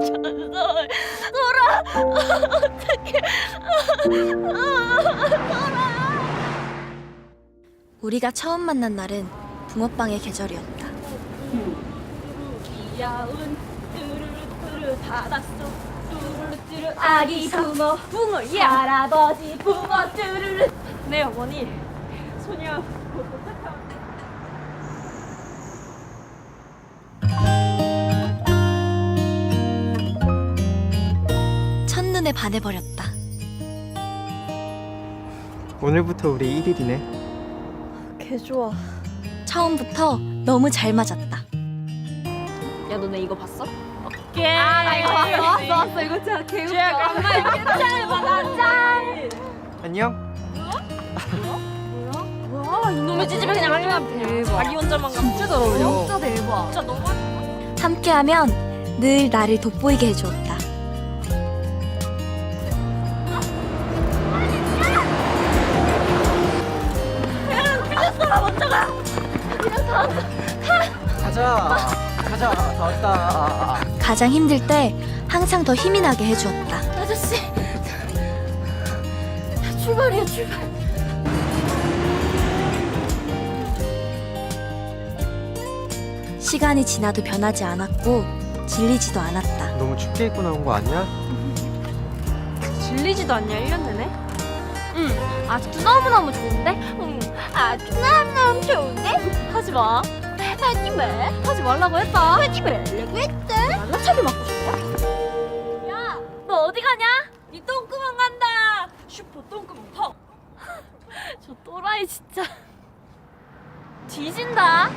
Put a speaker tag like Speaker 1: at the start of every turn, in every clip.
Speaker 1: 전설 소라 어떡해 소라.
Speaker 2: 우리가 처음 만난 날은 붕어빵의 계절이었다.
Speaker 1: 귀여운 뚜루루뚜루 닫았어. 뚜루루뚜루 아기 붕어 예. 할아버지 붕어 뚜루루. 네 어머니 소녀 곧 도착합니다.
Speaker 2: 첫눈에 반해버렸다.
Speaker 3: 오늘부터 우리 1일이네.
Speaker 2: 개 좋아. 처음부터 너무 잘 맞았다.
Speaker 1: 야 너네 이거 봤어? 오케이. 나 이거 봤어. 이거 진짜 개웃겨. 정말 짱 받았짱.
Speaker 3: 안녕.
Speaker 1: 뭐야? 이놈의 찌집애 그냥 하려면 자기 혼자만 가. 진짜 잘 어울려. 진짜 대박. 진짜 너무.
Speaker 2: 함께하면 늘 나를 돋보이게 해주었다.
Speaker 3: 가자. 다 왔다.
Speaker 2: 가장 힘들 때 항상 더 힘이 나게 해주었다.
Speaker 1: 아저씨. 출발이야 출발.
Speaker 2: 시간이 지나도 변하지 않았고 질리지도 않았다.
Speaker 3: 너무 춥게 입고 나온 거 아니야?
Speaker 1: 질리지도 않냐 1년 내내? 응. 아직도 너무너무 좋은데? 응. 아직도 너무너무 좋은데? 하지 마. 하지 마. 하지 말라고 했다. 하지 말라고 했다. 연락차를 맞고 싶어? 야, 너 어디 가냐? 이 똥구멍 간다. 슈퍼 똥구멍 펑. 저 또라이 진짜 뒤진다.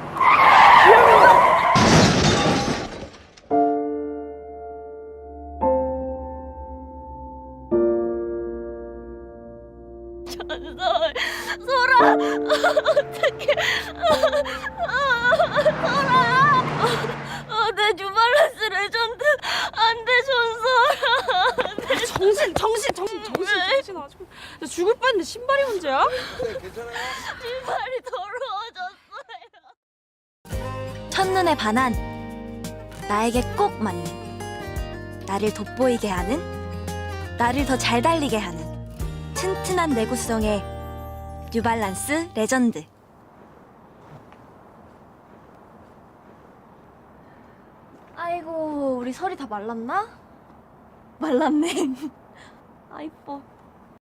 Speaker 1: 전설 소라 어떡해 소라 내 뉴발란스 레전드 안돼 전설.
Speaker 4: 정신 아주 나 죽을 뻔했는데 신발이 문제야?
Speaker 1: 신발이 더러워졌어요.
Speaker 2: 첫눈에 반한 나에게 꼭 맞는 나를 돋보이게 하는 나를 더 잘 달리게 하는 튼튼한 내구성의 뉴발란스 레전드. 아이고 우리 설이 다 말랐나? 말랐네. 아 이뻐.